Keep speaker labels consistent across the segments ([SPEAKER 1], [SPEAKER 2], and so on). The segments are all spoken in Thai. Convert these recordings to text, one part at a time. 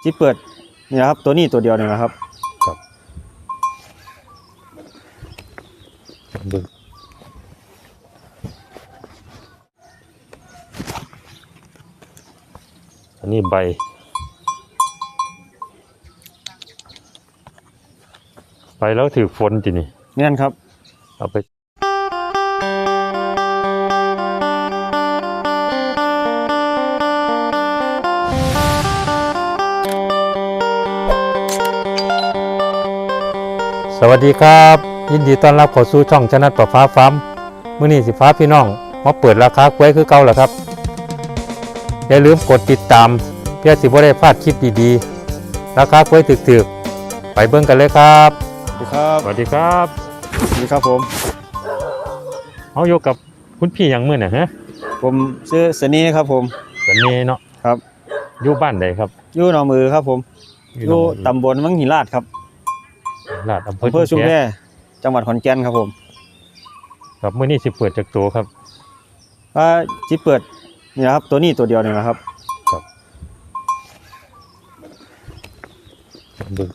[SPEAKER 1] ที่เปิดนี่นะครับตัวนี้ตัวเดียวนี่นะครับ
[SPEAKER 2] ดูอันนี้ใบแล้วถือฝนจีนี่
[SPEAKER 1] เนี่ยครับ
[SPEAKER 2] เอาไปสวัสดีครับยินดีต้อนรับเข้าสู่ช่องชนะประฟ้าฟาร์มมื้อนี้สิฟ้าพี่น้องมาเปิดราคากล้วยคือเก่าแล้วครับอย่าลืมกดติดตามเพื่อสิบ่ได้พลาดคลิปดีๆราคากล้วยถึกๆไปเบิ่งกันเลยครับ
[SPEAKER 1] สวัสดีครับ
[SPEAKER 2] สวัสดีครับ
[SPEAKER 1] ผม
[SPEAKER 2] เอาอยู่กับคุณพี่หยังมื้อน่ะฮะ
[SPEAKER 1] ผมชื่อเสนีครับผม
[SPEAKER 2] เสนีเนาะ
[SPEAKER 1] ครับ
[SPEAKER 2] อยู่บ้านใดครับ
[SPEAKER 1] อยู่หนองมือครับผมอยู่ตำบลมังหิราชครับ
[SPEAKER 2] ลาดอำเภอ
[SPEAKER 1] ชุมแพจังหวัดขอนแก่นครับผม
[SPEAKER 2] ครับมื้อนี้สิเปิดจากตัวครับ
[SPEAKER 1] ว่าที่เปิดนี่นะครับตัวนี้ตัวเดียวนี่นะครับ
[SPEAKER 2] ดู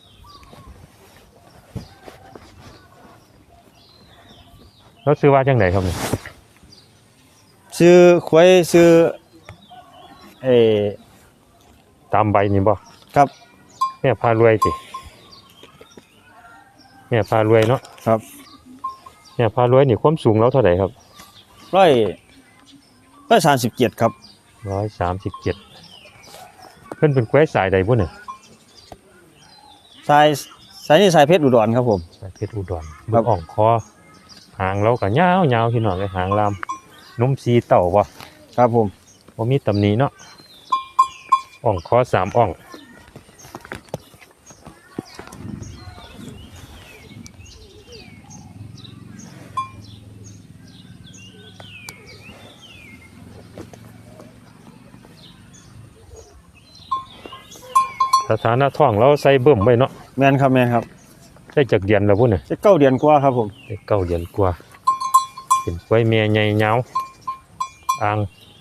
[SPEAKER 2] แล้วซื้อว่าจังไหนครับเนี่ย
[SPEAKER 1] ซื้อควายซื้อ
[SPEAKER 2] ตามใบนี่บ่
[SPEAKER 1] ครับ
[SPEAKER 2] แม่พารวยสิแม่พารวยเนาะ
[SPEAKER 1] ครับ
[SPEAKER 2] แม่พารวยนี่ความสูงแล้วเท่าไหร่ครับ
[SPEAKER 1] 137ครับ
[SPEAKER 2] 137เพิ่นเป็นควายสายใดบ่เนี่ย
[SPEAKER 1] สายนี่สายเพชรอุดรครับผม
[SPEAKER 2] สายเพชรอุดรครับอ่องคอหางเราก็ยาวๆพี่น้องเลยหางลามนุ่มสีเต่าบ่
[SPEAKER 1] ครับผม
[SPEAKER 2] บ่มีตำหนิเนาะอ่องคอ3อ่องสถานะท้องเราใส่เบิ่มไว้เนาะ
[SPEAKER 1] แม่นครับ
[SPEAKER 2] ได้จากเดือนแล้วพุ่นน่ะ
[SPEAKER 1] ได้9 เดือนกว่าครับผม
[SPEAKER 2] ได้9 เดือนกว่าเป็นกล้วยแม่ใหญ่ยาวอ่าง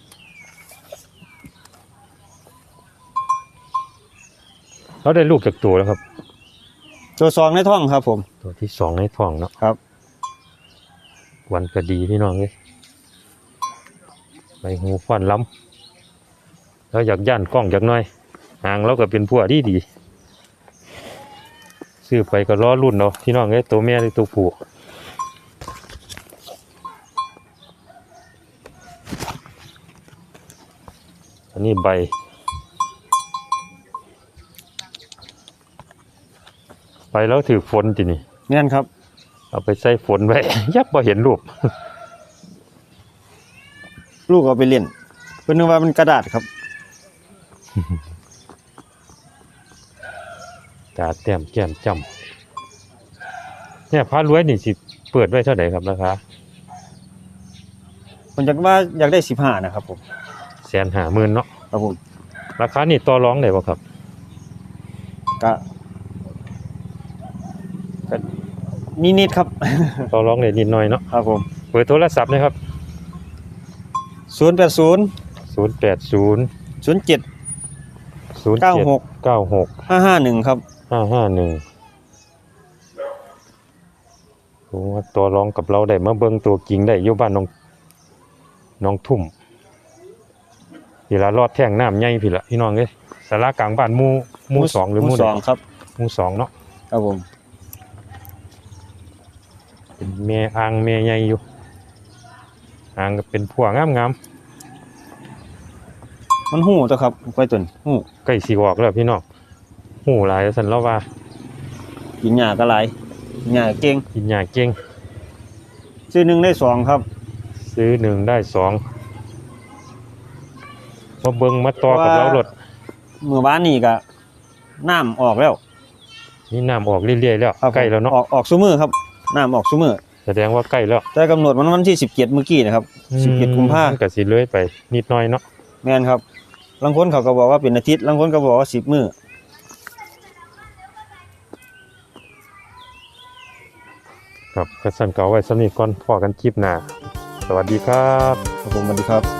[SPEAKER 2] เราได้ลูกจากตัวแล้วครับ
[SPEAKER 1] ตัว2ในท้องครับผม
[SPEAKER 2] ตัวที่2ในท้องเนาะ
[SPEAKER 1] ครับ
[SPEAKER 2] วันก็ดีพี่น้องเอ้ยใบหูฟันล้ำแล้วอยากย่านกล้องจากหน่อยหางเราก็เป็นพวกดีซื้อไปก็ล้อรุ่นเนาะพี่น้องเอ้ยตัวแม่หรือตัวผู้อันนี้ใบแล้วถือฝนจีนี่
[SPEAKER 1] เนี่ยครับ
[SPEAKER 2] เอาไปใส่ฝนไว้ ยับพอเห็นรูป
[SPEAKER 1] ลูกเอาไปเล่นเพิ่นนึกว่ามันกระดาษครับ
[SPEAKER 2] ตาแต้มแก้มจ้ำเนี่ยพารวยนี่สิเปิดไว้เท่าไหร่ครับราคา
[SPEAKER 1] ผมอยากได้15นะครับผม
[SPEAKER 2] 150,000เนาะ
[SPEAKER 1] ครับผม
[SPEAKER 2] ราคานี่ต่อรองได้บ่ครับ
[SPEAKER 1] ก็นิดครับ
[SPEAKER 2] ต่อรองได้นิดหน่อยเนาะ
[SPEAKER 1] ครับผม
[SPEAKER 2] เปิดโทรศัพท์นะครับ
[SPEAKER 1] 080 07 96 551ครับ
[SPEAKER 2] 551โอ้ตัวรองกับเราได้มาเบิ่งตัวจริงได้อยู่บ้านน้องทุ่มพี่ละรอดแท่งน้ำใหญ่พี่ละพี่น้องเอ้ยศาลากลางบ้านหมู่2หรือหมู่
[SPEAKER 1] 2ครับ
[SPEAKER 2] หมู่2เนาะ
[SPEAKER 1] ครับผม
[SPEAKER 2] เป็นแม่อ่างแม่ใหญ่อยู่อ่างก็เป็นพวกงาม
[SPEAKER 1] มันหู้ตัวครับควายตุ่นหู้
[SPEAKER 2] ใกล้สิออกแล้วพี่น้องหูหลายซั่นแล้วว่า
[SPEAKER 1] กินหญ้าก็หลายหญ้าเก่ง
[SPEAKER 2] กินหญ้าเก่ง
[SPEAKER 1] ซื้อ1ได้2ครับ
[SPEAKER 2] ซื้อ1ได้2มาเบิ่งมาต่อกับเรารถ
[SPEAKER 1] เมื่อวานนี้ก็น้ำออกแล้ว
[SPEAKER 2] นี่น้ำออกเรื่อยๆแล้วใกล้แล้วเนาะ
[SPEAKER 1] ออกซุมื้อครับน้ำออกซุมื้อ
[SPEAKER 2] แสดงว่าใกล้แล้ว
[SPEAKER 1] แต่กำหนดวันที่17เมื่อกี้นะครับ17กุมภาพันธ์
[SPEAKER 2] ก็สิเลื่อยไปนิดหน่อยเนาะ
[SPEAKER 1] แม่นครับบางคนเขาก็บอกว่าเป็นอาทิตย์บางคนก็บอกว่า10 มื้อ
[SPEAKER 2] ครับกระสันเก่าไว้สำนีก่อนพอกันคลิปหน้าสวัสดีครับ
[SPEAKER 1] ผมสวัสดีครับ